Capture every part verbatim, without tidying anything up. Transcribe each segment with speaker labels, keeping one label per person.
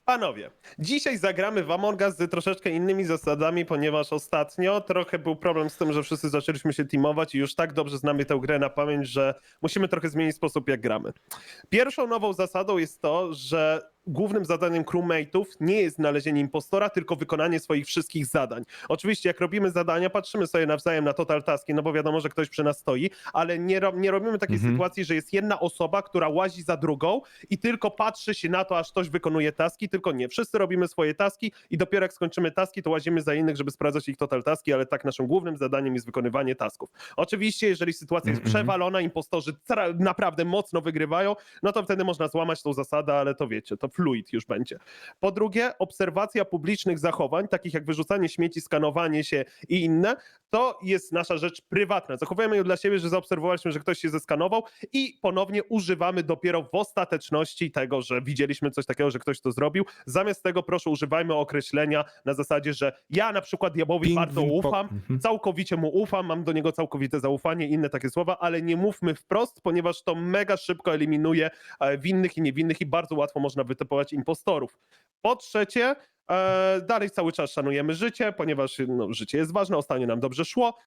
Speaker 1: Panowie, dzisiaj zagramy w Among Us z troszeczkę innymi zasadami, ponieważ ostatnio trochę był problem z tym, że wszyscy zaczęliśmy się teamować i już tak dobrze znamy tę grę na pamięć, że musimy trochę zmienić sposób, jak gramy. Pierwszą nową zasadą jest to, że głównym zadaniem crewmate'ów nie jest znalezienie impostora, tylko wykonanie swoich wszystkich zadań. Oczywiście jak robimy zadania, patrzymy sobie nawzajem na total taski, no bo wiadomo, że ktoś przy nas stoi, ale nie, ro nie robimy takiej
Speaker 2: Mhm.
Speaker 1: sytuacji, że jest jedna osoba, która łazi za drugą i tylko patrzy się na to, aż ktoś wykonuje taski, tylko nie. Wszyscy robimy swoje taski i dopiero jak skończymy taski, to łazimy za innych, żeby sprawdzać ich total taski, ale tak naszym głównym zadaniem jest wykonywanie tasków. Oczywiście, jeżeli sytuacja jest
Speaker 2: Mhm.
Speaker 1: przewalona, impostorzy tra- naprawdę mocno wygrywają, no to wtedy można złamać tą zasadę, ale to wiecie, to fluid już będzie. Po drugie, obserwacja publicznych zachowań, takich jak wyrzucanie śmieci, skanowanie się i inne, to jest nasza rzecz prywatna. Zachowujemy ją dla siebie, że zaobserwowaliśmy, że ktoś się zeskanował i ponownie używamy dopiero w ostateczności tego, że widzieliśmy coś takiego, że ktoś to zrobił. Zamiast tego proszę używajmy określenia na zasadzie, że ja na przykład diabłowi
Speaker 2: Ping,
Speaker 1: bardzo
Speaker 2: ping, po-
Speaker 1: ufam,
Speaker 2: Mhm.
Speaker 1: całkowicie mu ufam, mam do niego całkowite zaufanie i inne takie słowa, ale nie mówmy wprost, ponieważ to mega szybko eliminuje e, winnych i niewinnych i bardzo łatwo można wytypować impostorów. Po trzecie, e, dalej cały czas szanujemy życie, ponieważ no, życie jest ważne, ostatnio nam dobrze szło.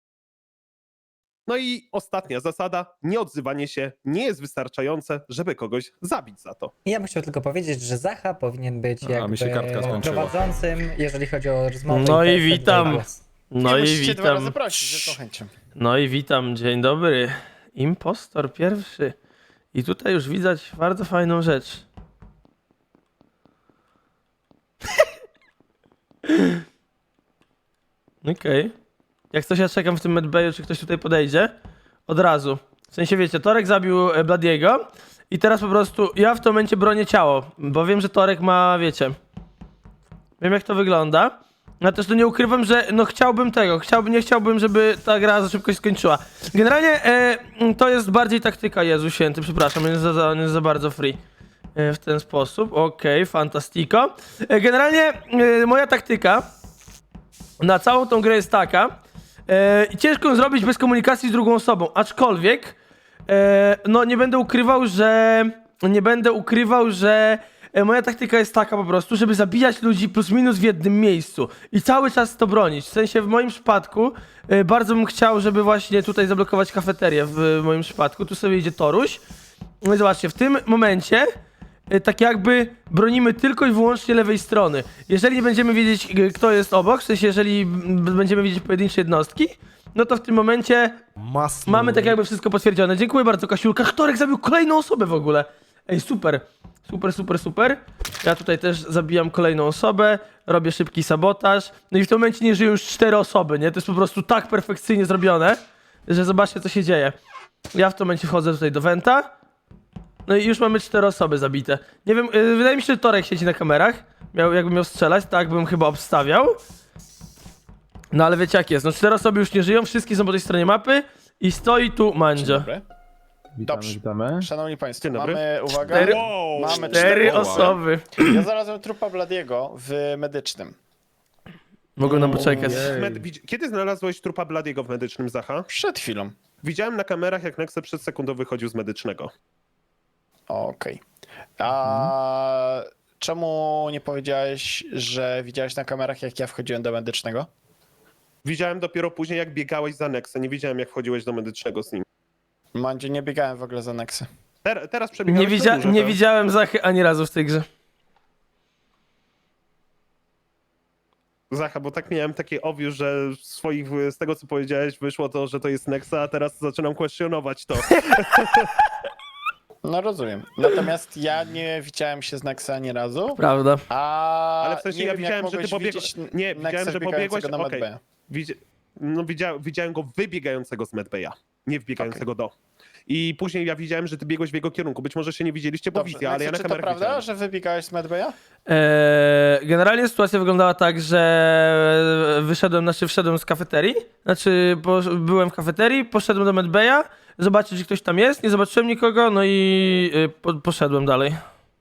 Speaker 1: No i ostatnia zasada, nieodzywanie się nie jest wystarczające, żeby kogoś zabić za to.
Speaker 3: Ja bym chciał tylko powiedzieć, że Zacha powinien być
Speaker 2: A,
Speaker 3: jakby
Speaker 2: mi się kartka skończyła.
Speaker 3: prowadzącym, jeżeli chodzi o rozmowę.
Speaker 4: No
Speaker 3: i
Speaker 4: i
Speaker 3: te- te
Speaker 4: witam.
Speaker 3: głos.
Speaker 4: No
Speaker 5: nie
Speaker 4: i
Speaker 5: musicie dwa razy
Speaker 4: witam.
Speaker 5: prosić, z chęcią.
Speaker 4: No i witam, dzień dobry. Impostor pierwszy. I tutaj już widać bardzo fajną rzecz. Okej. Okay. Jak coś ja czekam w tym medbayu, czy ktoś tutaj podejdzie. Od razu. W sensie wiecie, Torek zabił e, Bladiego i teraz po prostu ja w tym momencie bronię ciało, bo wiem, że Torek ma, wiecie. Wiem jak to wygląda. Ja też to nie ukrywam, że no chciałbym tego, chciałbym, nie chciałbym, żeby ta gra za szybko się skończyła. Generalnie e, to jest bardziej taktyka, Jezu Święty, przepraszam, on jest za, za, on jest za bardzo free. E, w ten sposób, okej, okay, fantastico. E, generalnie e, moja taktyka na całą tą grę jest taka, e, ciężko ją zrobić bez komunikacji z drugą osobą, aczkolwiek e, no nie będę ukrywał, że nie będę ukrywał, że e, moja taktyka jest taka po prostu, żeby zabijać ludzi plus minus w jednym miejscu i cały czas to bronić. W sensie w moim przypadku e, bardzo bym chciał, żeby właśnie tutaj zablokować kafeterię w, w moim przypadku. Tu sobie idzie Toruś. No i zobaczcie, w tym momencie e, tak jakby bronimy tylko i wyłącznie lewej strony. Jeżeli nie będziemy wiedzieć, e, kto jest obok, w sensie jeżeli m, będziemy widzieć pojedyncze jednostki, no to w tym momencie
Speaker 2: Masno.
Speaker 4: mamy tak jakby wszystko potwierdzone. Dziękuję bardzo, Kasiulka. Torek zabił kolejną osobę w ogóle. Ej, super. Super, super, super. Ja tutaj też zabijam kolejną osobę, robię szybki sabotaż. No i w tym momencie nie żyją już cztery osoby, nie? To jest po prostu tak perfekcyjnie zrobione, że zobaczcie, co się dzieje. Ja w tym momencie wchodzę tutaj do Wenta. No i już mamy cztery osoby zabite. Nie wiem, yy, wydaje mi się, że Torek siedzi na kamerach. Miał, jakbym miał strzelać, tak bym chyba obstawiał. No ale wiecie jak jest, no cztery osoby już nie żyją, wszystkie są po tej stronie mapy i stoi tu
Speaker 5: Dzień
Speaker 4: Mandzio.
Speaker 5: dobry.
Speaker 2: Witamy,
Speaker 5: Dobrze.
Speaker 2: witamy.
Speaker 5: Szanowni Państwo,
Speaker 1: Dzień dobry.
Speaker 5: mamy, uwaga,
Speaker 4: Cztery-
Speaker 1: Wow!
Speaker 5: mamy
Speaker 4: Cztery
Speaker 5: cztery osoby.
Speaker 4: osoby.
Speaker 5: Ja znalazłem trupa Bladiego w medycznym.
Speaker 4: Mogą nam poczekać.
Speaker 2: Ojej.
Speaker 1: Med- widz- Kiedy znalazłeś trupa Bladiego w medycznym, Zacha?
Speaker 5: Przed chwilą.
Speaker 1: Widziałem na kamerach, jak Nexe przed sekundą wychodził z medycznego.
Speaker 5: Okej. A czemu nie powiedziałeś, że widziałeś na kamerach, jak ja wchodziłem do medycznego?
Speaker 1: Widziałem dopiero później, jak biegałeś za Nexę. Nie widziałem, jak wchodziłeś do medycznego z nim.
Speaker 5: Mandzie, nie biegałem w ogóle za Nexy.
Speaker 1: Ter- teraz przebiegałeś
Speaker 4: Nie,
Speaker 1: na
Speaker 4: widzia
Speaker 1: górze,
Speaker 4: nie
Speaker 1: tak?
Speaker 4: widziałem Zachy ani razu w tej grze.
Speaker 1: Zacha, bo tak miałem takie obvious, że z swoich, z tego co powiedziałeś wyszło to, że to jest Nexa, a teraz zaczynam kwestionować to.
Speaker 5: No rozumiem. Natomiast ja nie widziałem się z Nexy ani razu.
Speaker 4: Prawda.
Speaker 5: A
Speaker 1: Ale w sensie
Speaker 5: nie
Speaker 1: ja
Speaker 5: wiem, jak
Speaker 1: widziałem, że ty
Speaker 5: mogłeś
Speaker 1: pobiegłeś...
Speaker 5: widzieć
Speaker 1: Nie,
Speaker 5: Nexę
Speaker 1: widziałem, że
Speaker 5: wbiegającego
Speaker 1: pobiegłeś...
Speaker 5: na
Speaker 1: okej.
Speaker 5: medbaya.
Speaker 1: Widzi... No, widzia... Widziałem go wybiegającego z medbaya, nie wbiegającego do. I później ja widziałem, że ty biegłeś w jego kierunku. Być może się nie widzieliście, bo
Speaker 5: Dobrze,
Speaker 1: wizja, ale ja na
Speaker 5: Nexy, czy to
Speaker 1: kamerach
Speaker 5: prawda,
Speaker 1: widziałem.
Speaker 5: że wybiegałeś z medbaya?
Speaker 4: Eee, generalnie sytuacja wyglądała tak, że wyszedłem, znaczy wszedłem z kafeterii, znaczy po, byłem w kafeterii, poszedłem do medbaya, zobaczyć, czy ktoś tam jest, nie zobaczyłem nikogo, no i y, po, poszedłem dalej.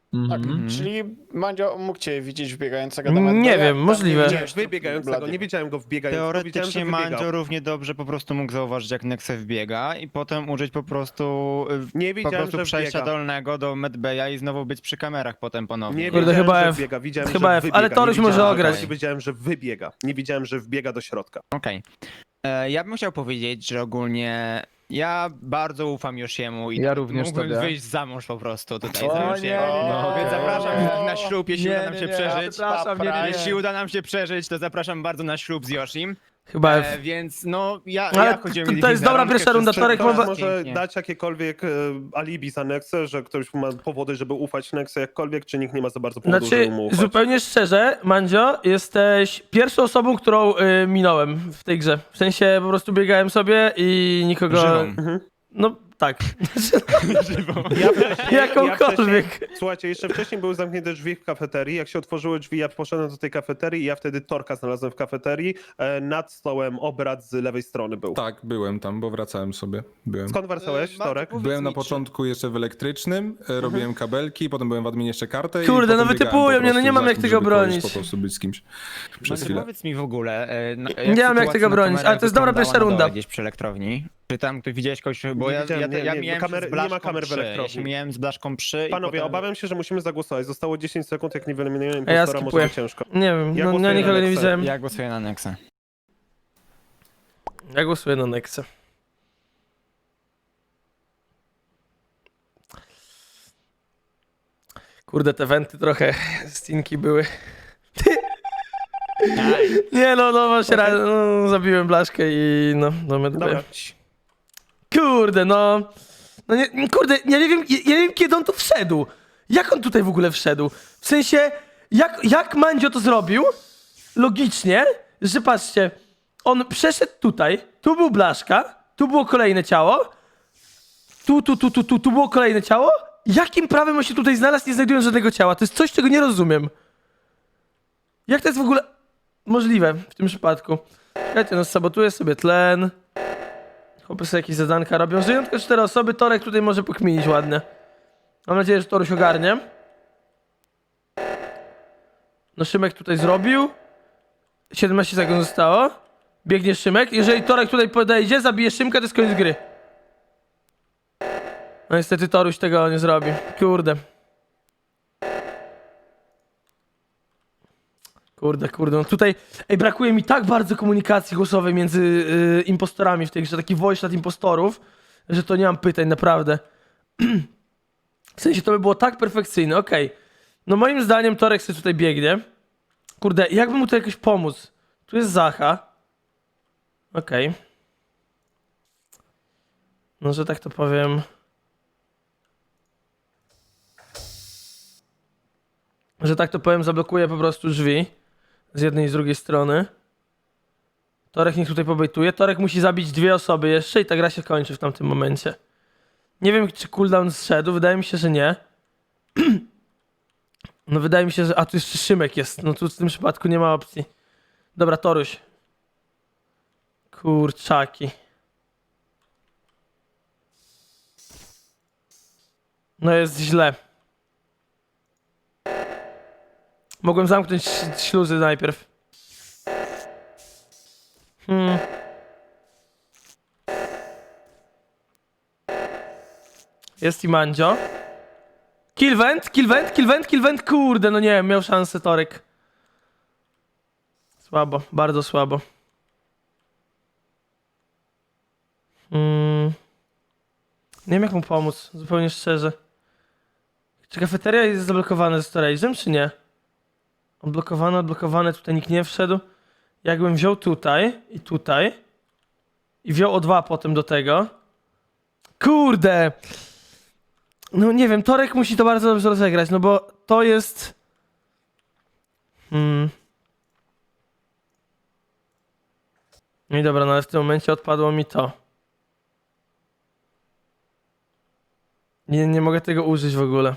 Speaker 5: Tak,
Speaker 2: Mhm.
Speaker 5: czyli Mandzio mógł cię widzieć wbiegającego do medbaya.
Speaker 4: Nie wiem,
Speaker 5: tam
Speaker 4: możliwe.
Speaker 5: nie
Speaker 1: Nie,
Speaker 5: widziałeś
Speaker 1: wybiegającego,
Speaker 5: Bladiego.
Speaker 1: nie widziałem go wbiegającego, widziałem,
Speaker 6: Teoretycznie
Speaker 1: że wybiegał.
Speaker 6: Mandzio równie dobrze po prostu mógł zauważyć, jak Nexe wbiega i potem użyć po prostu, y,
Speaker 1: Nie
Speaker 6: po
Speaker 1: widziałem,
Speaker 6: prostu
Speaker 1: że
Speaker 6: przejścia
Speaker 1: wbiega.
Speaker 6: dolnego do medbaya i znowu być przy kamerach potem ponownie.
Speaker 1: Nie
Speaker 4: Kurde,
Speaker 1: wiedziałem,
Speaker 4: chyba
Speaker 1: że
Speaker 4: F.
Speaker 1: wbiega, widziałem,
Speaker 4: Chyba
Speaker 1: że
Speaker 4: F,
Speaker 1: wybiega.
Speaker 4: ale
Speaker 1: Nie
Speaker 4: Toruś może
Speaker 1: widziałem, że
Speaker 4: ograć.
Speaker 1: wchodzi, Wiedziałem, że wybiega. Nie widziałem, że wbiega do środka.
Speaker 6: Okej. E, Ja bym chciał powiedzieć, że ogólnie ja bardzo ufam Yoshiemu i
Speaker 2: Ja również
Speaker 6: mógłbym
Speaker 2: tobie.
Speaker 6: wyjść za mąż po prostu tutaj
Speaker 2: O,
Speaker 6: za
Speaker 2: nie,
Speaker 6: Yoshiego.
Speaker 2: nie, nie,
Speaker 6: No,
Speaker 2: nie,
Speaker 6: więc
Speaker 2: nie,
Speaker 6: zapraszam
Speaker 2: nie.
Speaker 6: na ślub, jeśli
Speaker 2: Nie,
Speaker 6: uda nam
Speaker 2: nie,
Speaker 6: się
Speaker 2: nie,
Speaker 6: przeżyć.
Speaker 2: przepraszam, nie, nie, nie.
Speaker 6: Jeśli uda nam się przeżyć, to zapraszam bardzo na ślub z Yoshim.
Speaker 4: Chyba
Speaker 6: E,
Speaker 4: F.
Speaker 6: więc no, ja,
Speaker 4: Ale
Speaker 6: ja chodziłem
Speaker 4: to- to jest dobra pierwsza runda, Torek
Speaker 1: Ktoś
Speaker 4: ma-
Speaker 1: może
Speaker 6: Pięknie.
Speaker 1: dać jakiekolwiek e, alibi za Nexę, że ktoś ma powody, żeby ufać Nexę jakkolwiek, czy nikt nie ma za bardzo powodu,
Speaker 4: Znaczy,
Speaker 1: żeby mu ufać.
Speaker 4: zupełnie szczerze, Mandzio, jesteś pierwszą osobą, którą y, minąłem w tej grze. W sensie po prostu biegałem sobie i nikogo...
Speaker 6: Żywą.
Speaker 4: No tak.
Speaker 1: Ja wcześniej,
Speaker 4: Jakąkolwiek.
Speaker 1: Ja wcześniej, słuchajcie, jeszcze wcześniej były zamknięte drzwi w kafeterii. Jak się otworzyły drzwi, ja poszedłem do tej kafeterii i ja wtedy Torka znalazłem w kafeterii. E, nad stołem obrad z lewej strony był.
Speaker 7: Tak, byłem tam, bo wracałem sobie. Byłem.
Speaker 1: Skąd wracałeś,
Speaker 6: Bardzo
Speaker 1: Torek?
Speaker 6: powiedz
Speaker 7: Byłem na
Speaker 6: mi, czy-
Speaker 7: początku jeszcze w elektrycznym, e, robiłem kabelki, potem byłem w adminie jeszcze kartę i
Speaker 4: Kurde, no
Speaker 7: potem biegałem
Speaker 4: wytypują
Speaker 7: po
Speaker 4: mnie, no
Speaker 7: prostu
Speaker 4: nie mam
Speaker 7: za
Speaker 4: jak
Speaker 7: kimś,
Speaker 4: tego
Speaker 7: żeby kogoś
Speaker 4: bronić.
Speaker 7: Po prostu być z kimś przez
Speaker 6: Mandzio,
Speaker 7: chwilę.
Speaker 6: powiedz mi w ogóle, e, no, jak
Speaker 4: Nie mam jak
Speaker 6: sytuacja
Speaker 4: tego
Speaker 6: na
Speaker 4: bronić,
Speaker 6: kamerach
Speaker 4: ale to jest dobra
Speaker 6: wyglądała
Speaker 4: pierwsza
Speaker 6: na dole
Speaker 4: runda.
Speaker 6: Gdzieś przy elektrowni. Czy tam ty widziałeś kogoś, bo
Speaker 1: Nie
Speaker 6: ja,
Speaker 1: widziałem,
Speaker 6: ja,
Speaker 1: nie,
Speaker 6: ja
Speaker 1: nie,
Speaker 6: miałem
Speaker 1: kamery-
Speaker 6: z
Speaker 1: nie ma
Speaker 6: blaszką
Speaker 1: kamer w
Speaker 6: przy. Ja
Speaker 1: elektrowni.
Speaker 6: się miałem z blaszką przy
Speaker 1: Panowie,
Speaker 6: i potem...
Speaker 1: obawiam się, że musimy zagłosować. Zostało dziesięć sekund, jak nie wyeliminujemy
Speaker 4: A ja
Speaker 1: impostora, może
Speaker 4: skipuję.
Speaker 1: być ciężko.
Speaker 4: Nie wiem,
Speaker 1: Ja
Speaker 4: no,
Speaker 1: głosuję
Speaker 4: ja
Speaker 1: na
Speaker 4: nikogo nie
Speaker 1: Nexę.
Speaker 4: widziałem.
Speaker 6: Ja głosuję na Nexa.
Speaker 4: Ja głosuję na Nexę. Kurde, te wenty trochę stinki były. Nie no, no właśnie,
Speaker 1: Okej.
Speaker 4: ra- no, zabiłem blaszkę i no, no medbay.
Speaker 1: Dobra.
Speaker 4: Kurde, no. No nie, kurde, ja nie wiem, ja, ja nie wiem kiedy on tu wszedł. Jak on tutaj w ogóle wszedł? W sensie, jak, jak Mandzio to zrobił? Logicznie, że patrzcie, on przeszedł tutaj, tu był blaszka, tu było kolejne ciało, tu, tu, tu, tu, tu, tu było kolejne ciało. Jakim prawem on się tutaj znalazł, nie znajdując żadnego ciała? To jest coś, czego nie rozumiem. Jak to jest w ogóle możliwe w tym przypadku? Słuchajcie, no sabotuję sobie tlen. Chłopy sobie jakieś zadanka robią. Żyją tylko cztery osoby, Torek tutaj może pokminić ładnie. Mam nadzieję, że Toruś ogarnie. No Szymek tutaj zrobił. siedemnaście sekund zostało. Biegnie Szymek. Jeżeli Torek tutaj podejdzie, zabije Szymka, to jest koniec gry. No niestety Toruś tego nie zrobi. Kurde. Kurde, kurde, no tutaj ej, brakuje mi tak bardzo komunikacji głosowej między y, impostorami w tej grze, taki voice chat impostorów, że to nie mam pytań, naprawdę. W sensie to by było tak perfekcyjne, okej. No moim zdaniem Torek sobie tutaj biegnie. Kurde, jakby mu tu jakoś pomóc? Tu jest Zacha. Okej. No, że tak to powiem... Że tak to powiem, zablokuję po prostu drzwi. Z jednej i z drugiej strony. Torek niech tutaj pobejtuje. Torek musi zabić dwie osoby jeszcze i ta gra się kończy w tamtym momencie. Nie wiem, czy cooldown zszedł. Wydaje mi się, że nie. No wydaje mi się, że... A, tu jeszcze Szymek jest. No tu w tym przypadku nie ma opcji. Dobra, Toruś. Kurczaki. No jest źle. Mogłem zamknąć ś- śluzy najpierw. Hmm. Jest i Mandzio. Killvent, killvent, killvent, killvent. Kurde, no nie wiem, miał szansę Torek. Słabo, bardzo słabo. Hmm. Nie wiem jak mu pomóc, zupełnie szczerze. Czy kafeteria jest zablokowana ze storage'em, czy nie? Odblokowane, odblokowane, tutaj nikt nie wszedł. Jakbym wziął tutaj i tutaj i wziął o dwa potem do tego. Kurde! No nie wiem, Torek musi to bardzo dobrze rozegrać, no bo to jest... Hmm. No i dobra, no ale w tym momencie odpadło mi to. Nie, nie mogę tego użyć w ogóle.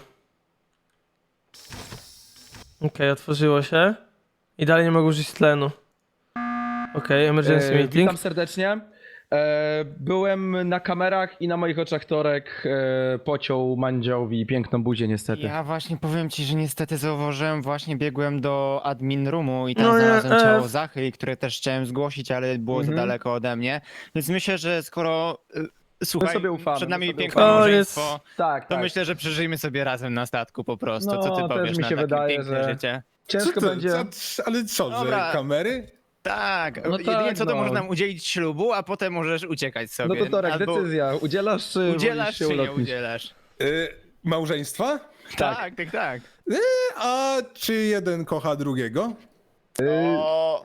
Speaker 4: Okej, okay, otworzyło się. I dalej nie mogę użyć tlenu. Okej, okay, emergency
Speaker 2: E,
Speaker 4: meeting.
Speaker 2: Witam serdecznie. E, byłem na kamerach i na moich oczach Torek e, pociął Mandziowi piękną buzię niestety.
Speaker 6: Ja właśnie powiem ci, że niestety zauważyłem, właśnie biegłem do admin roomu i tam
Speaker 4: No nie,
Speaker 6: znalazłem
Speaker 4: e.
Speaker 6: ciało Zachy, które też chciałem zgłosić, ale było
Speaker 2: Mhm.
Speaker 6: za daleko ode mnie. Więc myślę, że skoro y, słuchaj,
Speaker 2: sobie ufamy,
Speaker 6: przed
Speaker 2: my
Speaker 6: nami
Speaker 2: sobie
Speaker 6: piękne
Speaker 2: ufamy.
Speaker 6: małżeństwo,
Speaker 2: Tak,
Speaker 6: to
Speaker 2: tak.
Speaker 6: myślę, że przeżyjmy sobie razem na statku po prostu.
Speaker 2: No,
Speaker 6: Co ty
Speaker 2: też
Speaker 6: powiesz
Speaker 2: mi
Speaker 6: na
Speaker 2: się
Speaker 6: takie
Speaker 2: wydaje,
Speaker 6: piękne
Speaker 2: że-
Speaker 6: życie?
Speaker 2: Ciężko
Speaker 7: Co to-
Speaker 2: będzie.
Speaker 7: co- ale co,
Speaker 6: Dobra.
Speaker 7: że kamery?
Speaker 6: Tak,
Speaker 2: No
Speaker 6: jedynie
Speaker 2: tak,
Speaker 6: co to
Speaker 2: no.
Speaker 6: może nam udzielić ślubu, a potem możesz uciekać sobie.
Speaker 2: No to Torek,
Speaker 6: Albo
Speaker 2: decyzja. Udzielasz czy
Speaker 6: udzielasz
Speaker 2: wolisz się
Speaker 6: czy nie
Speaker 2: ulotnić?
Speaker 6: udzielasz?
Speaker 7: Y, małżeństwa?
Speaker 2: Tak.
Speaker 6: Tak, tak, tak.
Speaker 7: A czy jeden kocha drugiego?
Speaker 5: O,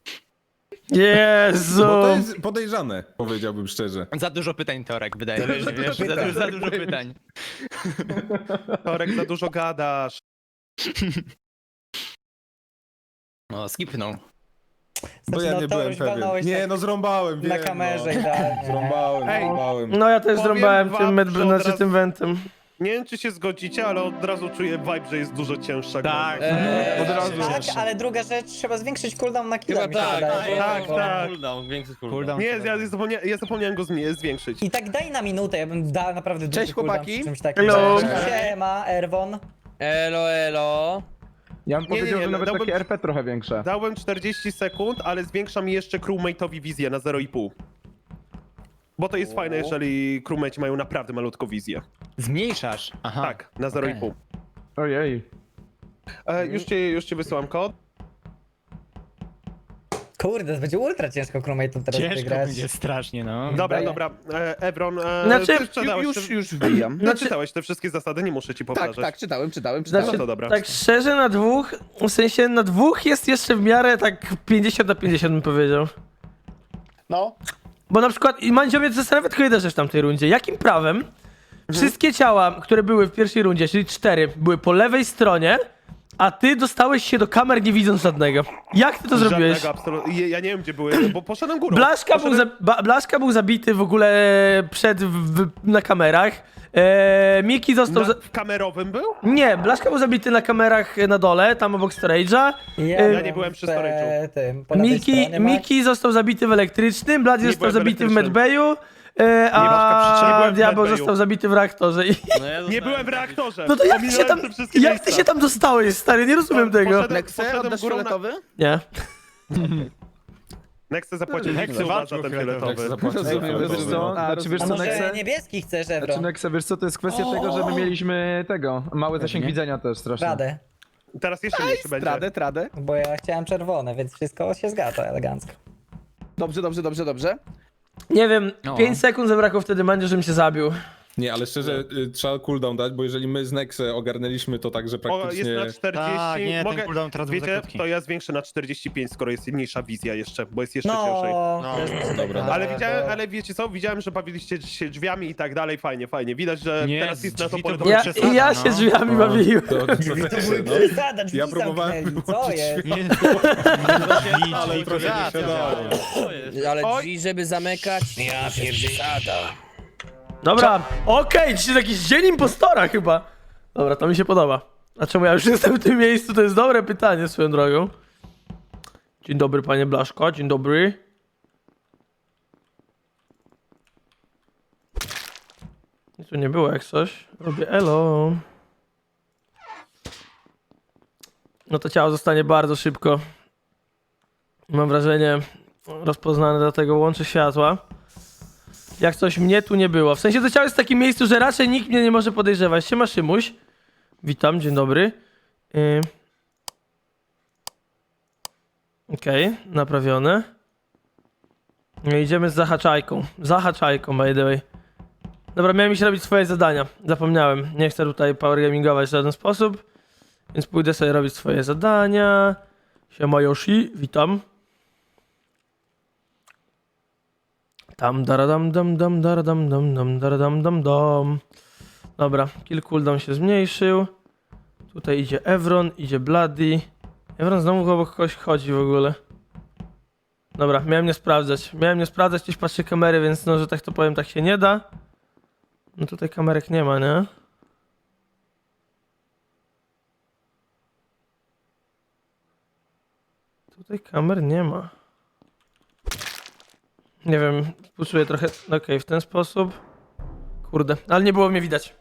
Speaker 4: Jezu!
Speaker 7: Bo to jest podejrzane, powiedziałbym szczerze.
Speaker 6: Za dużo pytań, Torek, wydaje mi się, wiesz, za,
Speaker 3: pytań.
Speaker 6: dużo, za dużo pytań.
Speaker 1: Torek, za dużo gadasz.
Speaker 6: No, skipnął.
Speaker 7: Bo
Speaker 3: Znaczy,
Speaker 7: ja
Speaker 3: no,
Speaker 7: nie
Speaker 3: to
Speaker 7: byłem
Speaker 3: już
Speaker 7: pewien.
Speaker 3: walnąłeś
Speaker 7: Nie,
Speaker 3: tak
Speaker 7: no zrąbałem,
Speaker 3: na
Speaker 7: wiem,
Speaker 3: kamerze
Speaker 7: no.
Speaker 3: idealnie.
Speaker 7: Zrąbałem,
Speaker 3: Ej.
Speaker 7: zrąbałem.
Speaker 4: No ja też
Speaker 1: Powiem
Speaker 4: zrąbałem
Speaker 1: wam,
Speaker 4: tym, med-
Speaker 1: że od
Speaker 4: znaczy
Speaker 1: razu-
Speaker 4: tym wentem.
Speaker 1: Nie wiem, czy się zgodzicie, ale od razu czuję vibe, że jest dużo cięższa.
Speaker 6: Tak.
Speaker 1: gra.
Speaker 3: Eee,
Speaker 2: Od razu.
Speaker 3: tak, ale druga rzecz, trzeba zwiększyć cooldown na killa, mi się
Speaker 8: tak,
Speaker 3: wydaje.
Speaker 1: tak,
Speaker 3: bo-
Speaker 1: tak.
Speaker 8: Cooldown, większy cooldown.
Speaker 6: Cooldown.
Speaker 1: Nie, ja, zapomnia ja zapomniałem go zmie- zwiększyć.
Speaker 3: I tak daj na minutę, ja bym dał naprawdę duży
Speaker 8: Cześć,
Speaker 3: cooldown
Speaker 8: chłopaki.
Speaker 3: przy czymś takim.
Speaker 4: Hello.
Speaker 3: Siema, Erwon.
Speaker 8: Elo, elo.
Speaker 2: Ja bym
Speaker 1: Nie, nie,
Speaker 2: powiedział,
Speaker 1: nie,
Speaker 2: że nawet
Speaker 1: dałbym-
Speaker 2: takie R P trochę większe.
Speaker 1: Dałem czterdzieści sekund, ale zwiększam jeszcze crewmate'owi wizję na zero i pół. Bo to jest fajne, jeżeli crewmate mają naprawdę malutką wizję.
Speaker 6: Zmniejszasz. Aha.
Speaker 1: Tak, na zero i
Speaker 6: okej.
Speaker 1: pół.
Speaker 2: Ojej.
Speaker 1: E, już, ci, już ci wysyłam kod.
Speaker 3: Kurde, to będzie ultra ciężko crewmate'ów teraz
Speaker 6: Ciężko
Speaker 3: wygrać.
Speaker 6: będzie strasznie, no.
Speaker 1: Dobra,
Speaker 3: Daję.
Speaker 1: dobra. E, Ebron, e,
Speaker 4: Znaczy,
Speaker 1: ty czytałeś,
Speaker 8: Już,
Speaker 1: te,
Speaker 8: już wbijam.
Speaker 1: ty czytałeś te wszystkie zasady, nie muszę ci
Speaker 8: Tak,
Speaker 1: powtarzać.
Speaker 8: tak, czytałem, czytałem, czytałem.
Speaker 4: Znaczy,
Speaker 1: No to dobra.
Speaker 4: tak szczerze na dwóch, w sensie na dwóch jest jeszcze w miarę tak pięćdziesiąt na pięćdziesiąt bym powiedział.
Speaker 5: no.
Speaker 4: Bo na przykład, i Mandzio mnie zastanawia tylko jedna rzecz w tamtej rundzie. Jakim prawem wszystkie ciała, które były w pierwszej rundzie, czyli cztery, były po lewej stronie, a ty dostałeś się do kamer nie widząc żadnego? Jak ty to zrobiłeś?
Speaker 1: Żadnego absolutnie. Ja nie wiem, gdzie były, bo poszedłem górą.
Speaker 4: Blaszka był,
Speaker 1: poszedłem...
Speaker 4: za, ba, Blaszka był zabity w ogóle przed, w, w, na kamerach. Eee, Miki został...
Speaker 1: Na,
Speaker 4: Za...
Speaker 1: w kamerowym był?
Speaker 4: Nie, Blaszka był zabity na kamerach na dole, tam obok storage'a.
Speaker 3: Ja,
Speaker 1: nie byłem przy
Speaker 3: w,
Speaker 1: storage'u.
Speaker 3: tym, po lewej
Speaker 4: Miki,
Speaker 3: stronie, Max.
Speaker 4: Miki został zabity w elektrycznym, Blady
Speaker 1: Nie
Speaker 4: został
Speaker 1: byłem w
Speaker 4: zabity w
Speaker 1: elektrycznym.
Speaker 4: medbayu, e,
Speaker 1: Blaszka przy- nie
Speaker 4: a
Speaker 1: byłem w
Speaker 4: Diabeł
Speaker 1: medbayu.
Speaker 4: został zabity w reaktorze. I...
Speaker 8: No ja
Speaker 1: Nie
Speaker 8: zostałem
Speaker 1: byłem w
Speaker 8: taki-
Speaker 1: reaktorze.
Speaker 4: No to jak ty się
Speaker 1: Ominąłem
Speaker 4: tam,
Speaker 1: te wszystkie
Speaker 4: jak
Speaker 1: miejsca.
Speaker 4: ty się tam dostałeś, stary? Nie rozumiem tego.
Speaker 1: Poszedłem,
Speaker 8: Nexe,
Speaker 1: poszedłem
Speaker 8: oddasz
Speaker 1: górą na...
Speaker 8: fioletowy?
Speaker 4: Nie.
Speaker 1: Nexe zapłacił
Speaker 6: Nexe
Speaker 1: Nexe
Speaker 6: walczył
Speaker 1: za ten
Speaker 6: fioletowy.
Speaker 1: fioletowy.
Speaker 7: Zapłacę za
Speaker 2: Ej, wiesz
Speaker 7: fioletowy,
Speaker 2: co?
Speaker 7: no.
Speaker 2: A, czy wiesz
Speaker 3: A
Speaker 2: co,
Speaker 3: może
Speaker 2: Nexe?
Speaker 3: niebieski chcesz,
Speaker 2: Znaczy,
Speaker 3: Evron?
Speaker 2: Nexe, wiesz co, to jest kwestia tego, że my mieliśmy tego, mały zasięg widzenia też strasznie.
Speaker 3: Radę.
Speaker 1: Teraz jeszcze mniejszy będzie.
Speaker 8: Tradę, tradę.
Speaker 3: Bo ja chciałem czerwone, więc wszystko się zgadza elegancko.
Speaker 8: Dobrze, dobrze, dobrze, dobrze.
Speaker 4: Nie wiem,
Speaker 6: No.
Speaker 4: pięć sekund zabrakło wtedy Mandzio, żebym się zabił.
Speaker 7: Nie, ale szczerze, y, trzeba cooldown dać, bo jeżeli my z Nexe ogarnęliśmy to tak, że
Speaker 1: O,
Speaker 7: praktycznie...
Speaker 1: jest na czterdzieści.
Speaker 6: Tak, nie, ten
Speaker 1: Mogę...
Speaker 6: cooldown teraz był za
Speaker 1: Wiecie,
Speaker 6: krótki.
Speaker 1: to ja zwiększę na czterdzieści pięć, skoro jest mniejsza wizja jeszcze, bo jest jeszcze ciężej.
Speaker 3: No,
Speaker 6: No,
Speaker 7: dobra.
Speaker 1: Ale
Speaker 3: bo-
Speaker 1: widziałem, ale wiecie co, widziałem, że bawiliście się drzwiami i tak dalej, fajnie, fajnie. Widać, że
Speaker 6: Nie,
Speaker 1: teraz jest na to
Speaker 6: drzwi to
Speaker 1: pole do
Speaker 6: były
Speaker 4: Ja,
Speaker 6: przesada,
Speaker 4: ja się
Speaker 6: no.
Speaker 4: drzwiami
Speaker 7: No,
Speaker 4: bawiłem.
Speaker 7: to, to, to,
Speaker 3: były
Speaker 7: no.
Speaker 3: przesada, drzwi
Speaker 7: Ja próbowałem
Speaker 3: zamknęli, co
Speaker 7: wyłączyć
Speaker 3: jest?
Speaker 6: Nie,
Speaker 7: Ale trochę nie siadało.
Speaker 8: Ale
Speaker 1: Oj.
Speaker 8: drzwi, żeby zamykać. Ja pierdzielada.
Speaker 4: Dobra, okej, dzisiaj jakiś dzień impostora chyba. Dobra, to mi się podoba. A czemu ja już jestem w tym miejscu? To jest dobre pytanie swoją drogą. Dzień dobry, panie Blaszko, dzień dobry. Nic tu nie było jak coś. Robię elo. No to ciało zostanie bardzo szybko. Mam wrażenie rozpoznane, dlatego łączy światła. Jak coś mnie tu nie było. W sensie to ciało jest w takim miejscu, że raczej nikt mnie nie może podejrzewać. Siema Szymuś. Witam, dzień dobry. Yy. Okej, okay, naprawione. No idziemy z zahaczajką. Zahaczajką, by the way. Dobra, miałem iść robić swoje zadania. Zapomniałem. Nie chcę tutaj power gamingować w żaden sposób. Więc pójdę sobie robić swoje zadania. Siema Yoshi, witam. Tam daradam dam dam daradam dam dam daradam dam dam. Dobra, kill cooldown się zmniejszył. Tutaj idzie Evron, idzie Bloody. Evron znowu obok kogoś chodzi w ogóle. Dobra, miałem nie sprawdzać. Miałem nie sprawdzać, gdzieś patrzę kamery, więc no, że tak to powiem, tak się nie da. No tutaj kamerek nie ma, nie? Tutaj kamer nie ma. Nie wiem, puszuję trochę, okej, w ten sposób. Kurde, ale nie było mnie widać.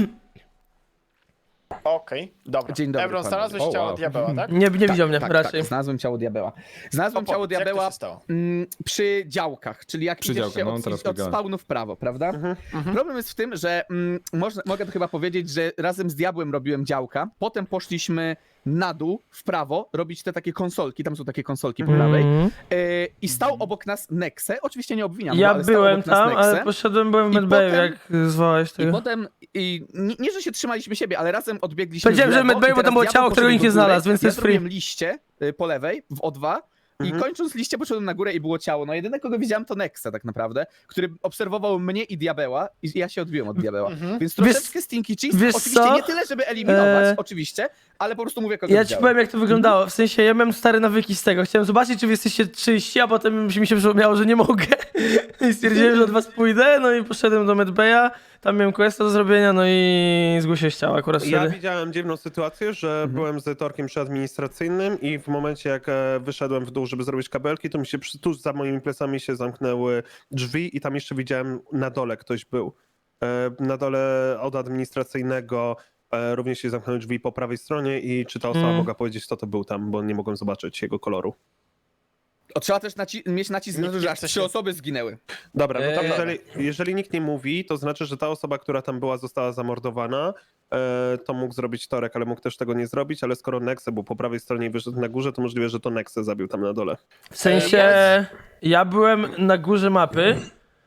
Speaker 5: Okej, dobra.
Speaker 8: Dzień dobry,
Speaker 5: Evron,
Speaker 8: panowie.
Speaker 5: znalazłeś
Speaker 7: O,
Speaker 5: ciało
Speaker 7: wow.
Speaker 5: diabeła, tak?
Speaker 4: Nie, nie widział mnie
Speaker 8: tak,
Speaker 4: raczej.
Speaker 8: Tak, znalazłem ciało diabeła. Znalazłem ciało
Speaker 5: Opowiedz, jak to
Speaker 8: diabeła
Speaker 5: się stało?
Speaker 8: mm, przy działkach, czyli jak
Speaker 7: Przy
Speaker 8: idziesz
Speaker 7: działkach,
Speaker 8: się
Speaker 7: no,
Speaker 8: od,
Speaker 7: teraz
Speaker 8: od
Speaker 7: biegałem.
Speaker 8: spawnu w prawo, prawda? Problem jest w tym, że mm, można, mogę to chyba powiedzieć, że razem z diabłem robiłem działka, potem poszliśmy na dół, w prawo, robić te takie konsolki, tam są takie konsolki po prawej,
Speaker 4: Mhm.
Speaker 8: e, i stał obok nas Nexe, oczywiście nie obwiniam go,
Speaker 4: Ja
Speaker 8: ale stał
Speaker 4: byłem
Speaker 8: obok nas
Speaker 4: tam,
Speaker 8: Nexe.
Speaker 4: ale poszedłem, byłem w
Speaker 8: I
Speaker 4: medbayu,
Speaker 8: potem-
Speaker 4: jak zwołałeś
Speaker 8: I
Speaker 4: tego.
Speaker 8: potem, i nie, nie, że się trzymaliśmy siebie, ale razem odbiegliśmy
Speaker 4: Powiedziałem,
Speaker 8: w
Speaker 4: że
Speaker 8: lewo
Speaker 4: w medbayu,
Speaker 8: i
Speaker 4: bo tam
Speaker 8: teraz
Speaker 4: było
Speaker 8: diabeł
Speaker 4: ciało, którego
Speaker 8: poszedł
Speaker 4: nikt nie
Speaker 8: do góry,
Speaker 4: znalazł, więc to
Speaker 8: ja
Speaker 4: jest free.
Speaker 8: zrobiłem liście y, po lewej, w O dwa, i
Speaker 1: Mhm.
Speaker 8: kończąc liście poszedłem na górę i było ciało. No jedyne, kogo widziałem, to Nexa tak naprawdę, który obserwował mnie i diabeła i ja się odbiłem od diabeła. Więc troszeczkę stinky cheese,
Speaker 4: wiesz
Speaker 8: oczywiście
Speaker 4: co?
Speaker 8: nie tyle, żeby eliminować,
Speaker 4: Eee,
Speaker 8: oczywiście, ale po prostu mówię, kogo
Speaker 4: Ja ci
Speaker 8: widziałem.
Speaker 4: powiem, jak to wyglądało. W sensie, ja miałem stare nawyki z tego. Chciałem zobaczyć, czy wy jesteście czyści, a potem mi się przypomniało, że nie mogę. I stwierdziłem, że od was pójdę, no i poszedłem do medbaya. Tam miałem questa do zrobienia, no i zgłosiłem ciało akurat
Speaker 1: Ja
Speaker 4: wtedy.
Speaker 1: widziałem dziwną sytuację, że byłem z Torkiem przy administracyjnym i w momencie jak e, wyszedłem w dół, żeby zrobić kabelki, to mi się przy, tuż za moimi plecami się zamknęły drzwi i tam jeszcze widziałem na dole ktoś był. E, na dole od administracyjnego e, również się zamknęły drzwi po prawej stronie i czy ta osoba
Speaker 4: Mm.
Speaker 1: mogła powiedzieć, kto to był tam, bo nie mogłem zobaczyć jego koloru.
Speaker 8: O, trzeba też naci- mieć nacisk na to, że aż
Speaker 5: chce
Speaker 8: trzy
Speaker 5: się-
Speaker 8: osoby zginęły.
Speaker 1: Dobra, no to
Speaker 3: Eee.
Speaker 1: jeżeli, jeżeli nikt nie mówi, to znaczy, że ta osoba, która tam była, została zamordowana. E, to mógł zrobić Torek, ale mógł też tego nie zrobić, ale skoro Nexe był po prawej stronie i wyszedł na górze, to możliwe, że to Nexe zabił tam na dole.
Speaker 4: W sensie, ja byłem na górze mapy. E,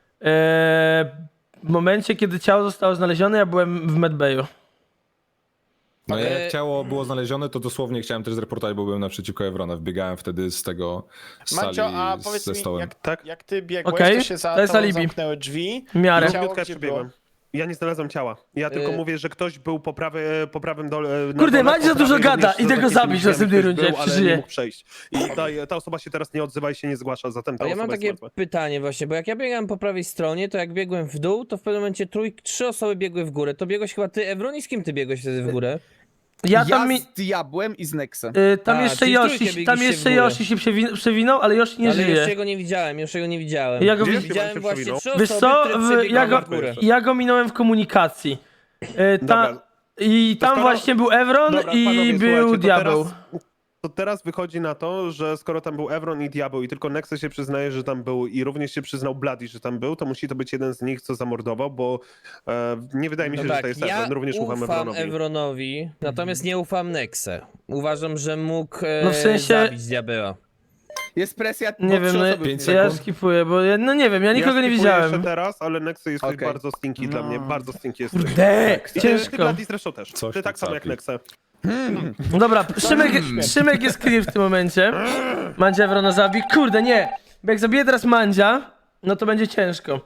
Speaker 4: w momencie, kiedy ciało zostało znalezione, ja byłem w medbayu.
Speaker 7: No ja
Speaker 8: E,
Speaker 7: jak ciało było znalezione, to dosłownie chciałem też zreportować, bo byłem naprzeciwko Evrona. Wbiegałem wtedy z tego z sali
Speaker 5: Mancio, a powiedz
Speaker 7: ze
Speaker 5: mi,
Speaker 7: stołem.
Speaker 5: jak,
Speaker 1: Tak?
Speaker 5: jak ty biegłeś,
Speaker 4: Okej,
Speaker 5: to się za
Speaker 4: to jest
Speaker 5: tobą
Speaker 4: alibi.
Speaker 5: zamknęły drzwi.
Speaker 4: W miarę.
Speaker 5: I ciało
Speaker 1: Minutkę
Speaker 5: gdzie
Speaker 1: jeszcze biegłem. Ja nie znalazłem ciała. Ja tylko
Speaker 3: Y-
Speaker 1: mówię, że ktoś był po, prawej, po prawym dole. na
Speaker 4: Kurde,
Speaker 1: dole,
Speaker 4: Macie
Speaker 1: po
Speaker 4: za dużo
Speaker 1: prawej
Speaker 4: gada,
Speaker 1: również
Speaker 4: idę go
Speaker 1: za
Speaker 4: zabić w
Speaker 1: takimi
Speaker 4: następnej
Speaker 1: drzwiami
Speaker 4: rundzie,
Speaker 1: ktoś
Speaker 4: jak
Speaker 1: był, ale
Speaker 4: przeżyje.
Speaker 1: nie mógł przejść. I ta, ta osoba się teraz nie odzywa i się nie zgłasza, zatem ta
Speaker 9: A ja
Speaker 1: osoba
Speaker 9: mam
Speaker 1: jest
Speaker 9: takie
Speaker 1: martwa.
Speaker 9: pytanie właśnie, bo jak ja biegałem po prawej stronie, to jak biegłem w dół, to w pewnym momencie trój, trzy osoby biegły w górę. To biegłeś chyba ty, Evron, i z kim ty biegłeś wtedy w górę?
Speaker 4: Ja tam mi...
Speaker 8: z diabłem i z Nexem.
Speaker 4: Y, tam
Speaker 9: A,
Speaker 4: jeszcze
Speaker 9: czyli trójkę
Speaker 4: Yoshi, tam
Speaker 9: biegliście
Speaker 4: jeszcze
Speaker 9: w górę.
Speaker 4: Yoshi się przewi- przewinął, ale Yoshi nie
Speaker 9: Ale
Speaker 4: żyje.
Speaker 9: już jego nie widziałem, już jego nie widziałem.
Speaker 4: Ja go
Speaker 1: Gdzie
Speaker 4: widz-
Speaker 1: się
Speaker 9: Widziałem
Speaker 1: pan
Speaker 9: właśnie
Speaker 1: przewinął?
Speaker 9: trzy
Speaker 4: Wiesz
Speaker 9: osoby,
Speaker 4: co,
Speaker 9: które
Speaker 4: w, ja,
Speaker 9: przebiegały
Speaker 4: go,
Speaker 9: w górę.
Speaker 4: ja go minąłem w komunikacji. Y, ta,
Speaker 1: Dobra.
Speaker 4: I
Speaker 1: To
Speaker 4: tam
Speaker 1: skoro-
Speaker 4: właśnie był Evron
Speaker 1: Dobra,
Speaker 4: i
Speaker 1: panowie,
Speaker 4: był
Speaker 1: słuchajcie, to
Speaker 4: diabeł.
Speaker 1: Teraz, to teraz wychodzi na to, że skoro tam był Evron i diabeł i tylko Nexe się przyznaje, że tam był i również się przyznał Bloody, że tam był, to musi to być jeden z nich, co zamordował, bo e, nie wydaje mi się,
Speaker 9: No
Speaker 1: że
Speaker 9: tak,
Speaker 1: to jest
Speaker 9: ja
Speaker 1: Evron. Również ufam
Speaker 9: ufam
Speaker 1: Evronowi.
Speaker 9: Evronowi, natomiast nie ufam Nexe. Uważam, że mógł e,
Speaker 4: No w sensie-
Speaker 9: zabić diabeła.
Speaker 8: Jest presja, bo
Speaker 4: Nie
Speaker 8: trzy
Speaker 4: wiem, no,
Speaker 8: osoby
Speaker 7: pięć
Speaker 8: zginęły.
Speaker 4: ja skipuję, bo ja, no nie wiem, ja nikogo nie
Speaker 1: skipuję
Speaker 4: widziałem.
Speaker 1: jeszcze teraz, ale Nexe jest
Speaker 8: Okej.
Speaker 1: bardzo stinky dla mnie, bardzo stinky jest.
Speaker 4: Kurde,
Speaker 1: I ty, ty
Speaker 4: ciężko.
Speaker 1: Bloody zresztą też.
Speaker 7: Coś
Speaker 1: ty
Speaker 7: ty
Speaker 1: tak samo jak
Speaker 7: capi.
Speaker 1: Nexe.
Speaker 4: No dobra, Szymek, Szymek jest clear w tym momencie. Mandzia Evrona zabi. Kurde, nie. Bo jak zabiję teraz Mandzia, no to będzie ciężko.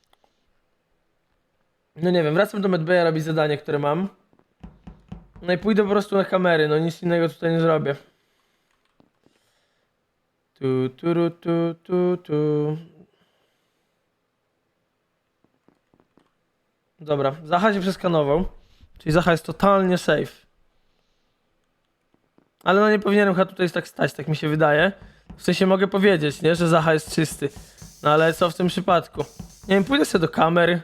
Speaker 4: No nie wiem, wracam do medbaya robić zadanie, które mam. No i pójdę po prostu na kamery, no nic innego tutaj nie zrobię. Tu, tu, ru, tu, tu, tu. Dobra, Zacha się przeskanował. Czyli Zacha jest totalnie safe. Ale no nie powinienem chyba tutaj tak stać, tak mi się wydaje. W sensie mogę powiedzieć, nie, że Zacha jest czysty. No ale co w tym przypadku? Nie wiem, pójdę sobie do kamery.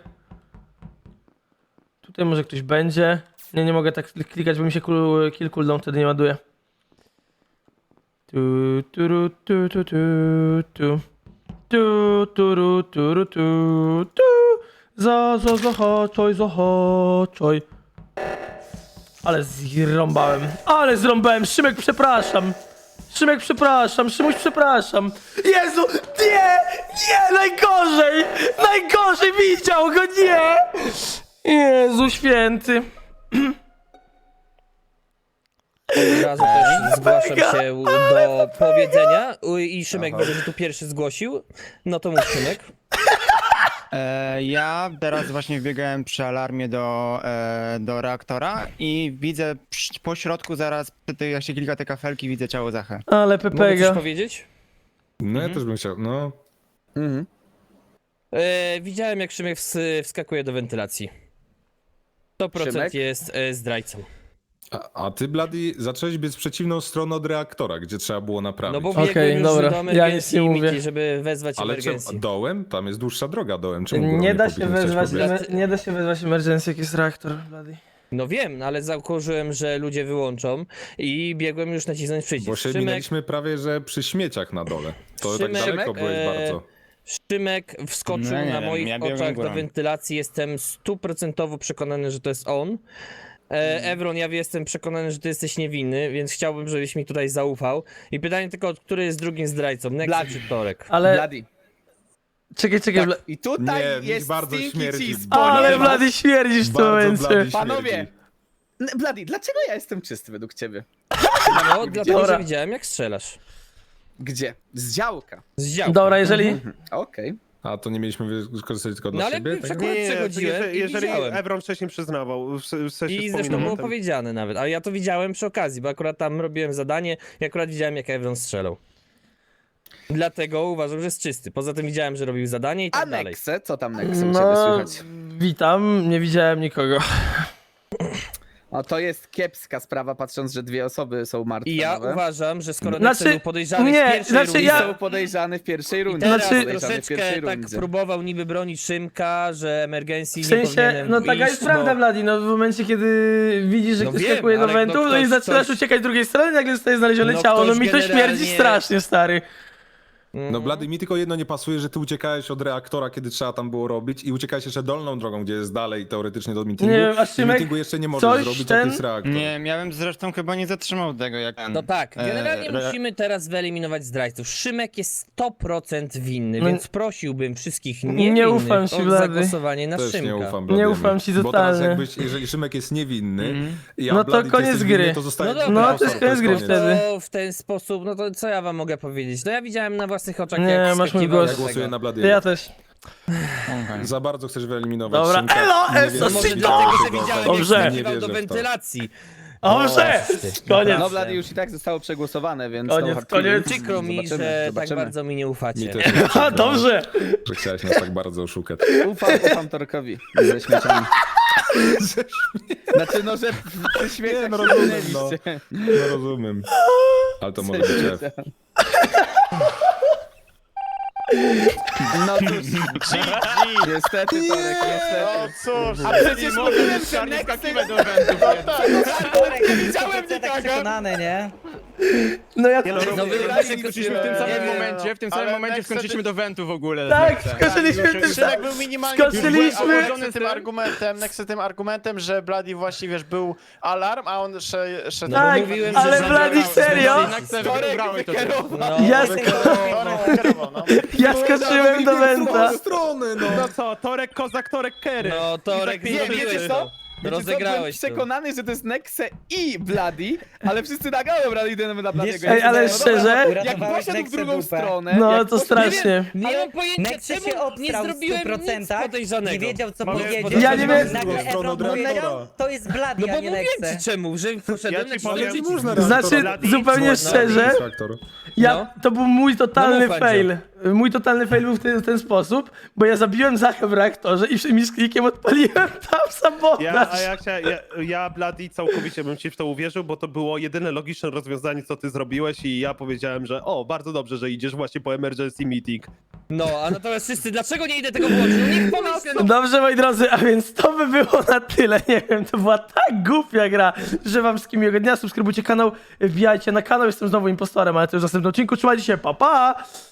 Speaker 4: Tutaj może ktoś będzie. Nie, nie mogę tak klikać, bo mi się cool, kill cooldown wtedy nie ładuje. Tu, tu, ru, tu, tu, tu, tu. Tu, tu, ru, tu, ru, tu, tu. Za, za, zahaczaj, zahaczaj. Ale zrąbałem. Ale zrąbałem. Szymek, przepraszam. Szymek, przepraszam. Szymuś, przepraszam. Jezu, nie! Nie! Najgorzej! Najgorzej! Widział go, nie! Jezu święty.
Speaker 9: Od razu też zgłaszam się do powiedzenia U- i Szymek widzę, że tu pierwszy zgłosił. No to mów, Szymek.
Speaker 6: E, ja teraz właśnie wbiegałem przy alarmie do, e, do reaktora i widzę przy, po środku zaraz, przy tej, jak się klika te kafelki, widzę ciało Zachę.
Speaker 4: Ale
Speaker 9: Mogę coś
Speaker 4: Pepega.
Speaker 9: powiedzieć?
Speaker 7: No ja też bym chciał, no.
Speaker 8: Mhm.
Speaker 9: E, widziałem, jak Szymek ws- wskakuje do wentylacji. sto procent
Speaker 8: Szymek?
Speaker 9: jest e, zdrajcą.
Speaker 7: A, a ty, Bloody, zacząłeś biec w przeciwną stronę od reaktora, gdzie trzeba było naprawić.
Speaker 9: No bo
Speaker 4: Okej,
Speaker 9: biegłem już
Speaker 4: dobra,
Speaker 9: do
Speaker 4: ja nic
Speaker 9: emergencji,
Speaker 4: nie mówię.
Speaker 9: Miki, żeby wezwać
Speaker 7: Ale czemu,
Speaker 9: emergencji.
Speaker 7: dołem? Tam jest dłuższa droga dołem. Czemu górą
Speaker 4: Nie da
Speaker 7: powinien
Speaker 4: się
Speaker 7: chcieć
Speaker 4: wezwać,
Speaker 7: pobiec?
Speaker 4: emer- nie da się wezwać emergency, jak jest reaktor, Bloody.
Speaker 9: No wiem, no ale założyłem, że ludzie wyłączą i biegłem już nacisnąć przycisk.
Speaker 7: Bo się
Speaker 9: Szymek,
Speaker 7: minęliśmy prawie, że przy śmieciach na dole. To
Speaker 9: Szymek,
Speaker 7: tak daleko byłeś
Speaker 9: e,
Speaker 7: bardzo.
Speaker 9: Szymek wskoczył
Speaker 6: No nie
Speaker 9: na
Speaker 6: wiem,
Speaker 9: moich
Speaker 6: ja biegłem
Speaker 9: oczach do
Speaker 6: górą.
Speaker 9: wentylacji, jestem stuprocentowo przekonany, że to jest on. E,
Speaker 6: Mhm.
Speaker 9: Evron, ja jestem przekonany, że ty jesteś niewinny, więc chciałbym, żebyś mi tutaj zaufał. I pytanie tylko, który jest drugim zdrajcą, Nexus
Speaker 8: Bloody.
Speaker 9: czy Torek?
Speaker 4: Ale
Speaker 8: Bloody.
Speaker 4: czekaj, czekaj, Bla-
Speaker 8: I tutaj
Speaker 7: Nie, mi
Speaker 8: jest
Speaker 7: bardzo
Speaker 8: Stinky
Speaker 7: śmierdzi.
Speaker 8: Cheese.
Speaker 4: ale
Speaker 8: ponieważ-
Speaker 4: Bloody śmierdzisz w tym
Speaker 7: Bardzo
Speaker 4: momencie.
Speaker 7: Bloody
Speaker 8: Panowie,
Speaker 7: śmierdzi.
Speaker 8: N- Bloody, dlaczego ja jestem czysty według ciebie?
Speaker 9: No, dlatego,
Speaker 4: Dobra.
Speaker 9: że widziałem jak strzelasz.
Speaker 8: Gdzie? Z działka.
Speaker 9: Z działka.
Speaker 4: Dobra, jeżeli...
Speaker 8: Okej.
Speaker 7: A to nie mieliśmy wykorzystać tylko
Speaker 9: No
Speaker 7: dla
Speaker 9: ale
Speaker 7: siebie?
Speaker 9: przek-
Speaker 7: Tak?
Speaker 1: Nie, nie,
Speaker 9: przechodziłem
Speaker 1: jeżeli,
Speaker 9: i
Speaker 1: jeżeli
Speaker 9: widziałem.
Speaker 1: Evron wcześniej przyznawał, w, w sensie
Speaker 9: I zresztą
Speaker 1: wspominał
Speaker 9: było
Speaker 1: o tym.
Speaker 9: powiedziane nawet, ale ja to widziałem przy okazji, bo akurat tam robiłem zadanie i akurat widziałem jak Evron strzelał. Dlatego uważam, że jest czysty. Poza tym widziałem, że robił zadanie i
Speaker 8: A
Speaker 9: tak dalej.
Speaker 8: Nexe? Co tam Nexe u ciebie
Speaker 4: No,
Speaker 8: słychać?
Speaker 4: witam, nie widziałem nikogo.
Speaker 8: O, to jest kiepska sprawa, patrząc, że dwie osoby są martwe.
Speaker 9: I ja
Speaker 8: nowe.
Speaker 9: uważam, że skoro
Speaker 4: Znaczy,
Speaker 9: Nexe był podejrzany
Speaker 4: nie,
Speaker 9: w pierwszej
Speaker 4: znaczy
Speaker 9: rundzie,
Speaker 4: ja-
Speaker 8: Są podejrzane w pierwszej rundzie.
Speaker 9: teraz
Speaker 4: Znaczy-
Speaker 8: Podejrzane w
Speaker 9: troszeczkę
Speaker 8: pierwszej
Speaker 9: tak
Speaker 8: rundzie.
Speaker 9: próbował niby bronić Szymka, że emergencji
Speaker 4: W
Speaker 9: nie
Speaker 4: sensie,
Speaker 9: powinienem
Speaker 4: no taka
Speaker 9: iść,
Speaker 4: jest prawda,
Speaker 9: bo...
Speaker 4: Bloody, no w momencie, kiedy widzisz, że
Speaker 9: No
Speaker 4: ktoś
Speaker 9: wiem,
Speaker 4: skakuje do
Speaker 9: ale no
Speaker 4: wentów, no i
Speaker 9: ktoś-
Speaker 4: zaczynasz
Speaker 9: ktoś-
Speaker 4: uciekać z drugiej strony, nagle zostaje znalezione
Speaker 9: No
Speaker 4: ciało, no
Speaker 9: ktoś
Speaker 4: mi to śmierdzi
Speaker 9: generalnie-
Speaker 4: strasznie, stary.
Speaker 9: Mm.
Speaker 7: No Blady, mi tylko jedno nie pasuje, że ty uciekałeś od reaktora, kiedy trzeba tam było robić i uciekałeś jeszcze dolną drogą, gdzie jest dalej teoretycznie do meetingu.
Speaker 4: Nie wiem, a
Speaker 7: I
Speaker 4: Szymek,
Speaker 7: meetingu jeszcze nie możesz
Speaker 4: coś
Speaker 7: zrobić,
Speaker 4: ten-
Speaker 7: jak jest reaktor.
Speaker 6: Nie, miałem zresztą chyba nie zatrzymał tego jak ten.
Speaker 9: No tak, generalnie
Speaker 6: e, re-
Speaker 9: musimy teraz wyeliminować zdrajców. Szymek jest sto procent winny,
Speaker 4: No
Speaker 9: więc prosiłbym wszystkich
Speaker 4: nie
Speaker 9: niewinnych
Speaker 4: ufam ci,
Speaker 9: o
Speaker 4: Blady.
Speaker 9: zagłosowanie na
Speaker 7: Też
Speaker 9: Szymka.
Speaker 7: nie ufam
Speaker 4: Nie
Speaker 7: Bladiemu.
Speaker 4: ufam ci
Speaker 7: Bo teraz
Speaker 4: totalnie.
Speaker 7: jakbyś, jeżeli Szymek jest niewinny,
Speaker 6: Mhm.
Speaker 7: ja
Speaker 4: No to
Speaker 7: Blady, ty
Speaker 4: koniec
Speaker 7: jesteś
Speaker 4: gry.
Speaker 7: winny, to zostaje
Speaker 9: No dobra.
Speaker 4: No to jest koniec gry wtedy.
Speaker 9: To w ten sposób, no to co ja wam mogę powiedzieć? No ja widziałem na własnych oczach,
Speaker 4: Nie,
Speaker 9: jak
Speaker 4: masz mój
Speaker 9: skakiwał
Speaker 4: głos.
Speaker 9: do
Speaker 7: Ja
Speaker 9: tego.
Speaker 7: głosuję na Bladiego.
Speaker 4: Ja też.
Speaker 6: Okej.
Speaker 7: Za bardzo chcesz wyeliminować
Speaker 4: Dobra,
Speaker 7: Szymka.
Speaker 4: elo,
Speaker 7: Nie
Speaker 4: eso,
Speaker 7: wierzę
Speaker 9: No
Speaker 7: w
Speaker 9: może
Speaker 7: to.
Speaker 9: dlatego, że
Speaker 7: Dobrze.
Speaker 9: widziałem,
Speaker 4: Dobrze.
Speaker 9: jak
Speaker 7: Nie
Speaker 9: skakiwał
Speaker 7: wierzę
Speaker 9: do
Speaker 7: w to.
Speaker 9: wentylacji.
Speaker 4: Dobrze! Koniec.
Speaker 8: No Blady już i tak zostało przegłosowane, więc
Speaker 4: Koniec,
Speaker 8: no hard
Speaker 4: koniec.
Speaker 8: feelings.
Speaker 9: Przykro mi,
Speaker 8: Zobaczymy,
Speaker 9: że tak
Speaker 8: zobaczymy.
Speaker 9: bardzo mi nie ufacie.
Speaker 7: Mi też jest
Speaker 4: A,
Speaker 7: przykro,
Speaker 4: dobrze!
Speaker 7: że chciałeś nas tak bardzo oszukać.
Speaker 8: Ufam, ufam Torkowi ze śmieciami. Znaczy no, że ze śmieciach
Speaker 7: Nie, no
Speaker 8: się
Speaker 7: rozumiem,
Speaker 8: minęliście.
Speaker 7: No rozumiem. Ale to może być F.
Speaker 8: No cóż, niestety Torek, niestety.
Speaker 5: No cóż,
Speaker 8: A przecież mówiłem, że Nexe...
Speaker 3: Torek,
Speaker 8: widziałem
Speaker 3: tak
Speaker 8: nikogo.
Speaker 3: przekonany, nie?
Speaker 4: No ja
Speaker 1: Nie no,
Speaker 9: No wy
Speaker 8: Wybraliśmy
Speaker 9: skoczyliśmy
Speaker 8: w tym samym
Speaker 5: Nie,
Speaker 8: momencie,
Speaker 5: w tym samym momencie skoczyliśmy
Speaker 6: do wentu w ogóle.
Speaker 4: Tak, skoczyliśmy w tym
Speaker 5: Szymek
Speaker 4: samym...
Speaker 5: był minimalnie
Speaker 4: Skoczyliśmy-
Speaker 5: Nexy tym argumentem, Nexy tym argumentem, że Bloody właściwie wiesz, był alarm, a on sze- szedł...
Speaker 9: No bo
Speaker 4: Tak,
Speaker 9: mówiłem,
Speaker 4: ale
Speaker 9: że
Speaker 4: Bloody
Speaker 9: zabrałem-
Speaker 4: serio?
Speaker 8: Torek wykierował.
Speaker 9: No,
Speaker 4: Ja,
Speaker 5: Torek
Speaker 4: sk-
Speaker 5: kierował, no.
Speaker 4: ja skoczyłem do Wenta.
Speaker 7: strony, no.
Speaker 1: No co, Torek,Kozak, Torek, Kery.
Speaker 9: no Torek,
Speaker 1: I
Speaker 8: Nie,
Speaker 1: tak
Speaker 9: zrobiłeś
Speaker 8: wiecie
Speaker 9: to.
Speaker 8: co? Wiecie co? Byłem
Speaker 9: Rozegrałeś to.
Speaker 8: przekonany, że to jest Nexe i Bloody, ale wszyscy nagają Bloody idziemy na Bladiego.
Speaker 3: Ej,
Speaker 4: ale
Speaker 8: No dobra,
Speaker 4: szczerze?
Speaker 8: Jak
Speaker 3: Uratowałeś
Speaker 8: poszedł w
Speaker 3: Nexę
Speaker 8: drugą
Speaker 3: dupę.
Speaker 8: stronę...
Speaker 4: No
Speaker 8: jak
Speaker 4: to
Speaker 8: poszedł-
Speaker 4: strasznie.
Speaker 9: Nie mam pojęcia,
Speaker 3: Nexe się
Speaker 9: czemu nie
Speaker 3: obstrał w
Speaker 9: zrobiłem
Speaker 3: stu procentach,
Speaker 9: nic podejrzanego.
Speaker 3: nie wiedział co
Speaker 1: Mamy-
Speaker 3: powiedzieć.
Speaker 4: Ja nie wiem-
Speaker 3: Nagle
Speaker 7: Drugą stroną
Speaker 3: Evron powiedział,
Speaker 7: reaktora.
Speaker 3: to jest Bloody,
Speaker 9: No
Speaker 3: a
Speaker 9: bo
Speaker 3: nie
Speaker 9: mówiłem
Speaker 3: Nexe.
Speaker 9: ci czemu, że poszedłem
Speaker 1: Ja
Speaker 9: na
Speaker 1: ci powiem,
Speaker 9: przycisk.
Speaker 7: Można
Speaker 4: Znaczy,
Speaker 1: Bloody,
Speaker 4: zupełnie
Speaker 1: można.
Speaker 4: szczerze,
Speaker 7: Reaktor.
Speaker 4: ja,
Speaker 9: No.
Speaker 4: to był mój totalny
Speaker 9: No mów,
Speaker 4: fail. Mój totalny fail był w ten, w ten sposób, bo ja zabiłem Zachę w reaktorze i przy- mi z klikiem odpaliłem tam sabotaż.
Speaker 1: Ja, a ja, chcia, ja, ja Bloody całkowicie bym ci w to uwierzył, bo to było jedyne logiczne rozwiązanie, co ty zrobiłeś i ja powiedziałem, że o, bardzo dobrze, że idziesz właśnie po emergency meeting.
Speaker 9: No, a natomiast wszyscy, dlaczego nie idę tego włączyć? No niech pomyślę, no.
Speaker 4: Dobrze, moi drodzy, a więc to by było na tyle. Nie wiem, to była tak głupia gra. Życzę wam wszystkim miłego dnia, subskrybujcie kanał, wbijajcie na kanał, jestem znowu impostorem, ale to już w następnym odcinku. Trzymajcie się, pa pa!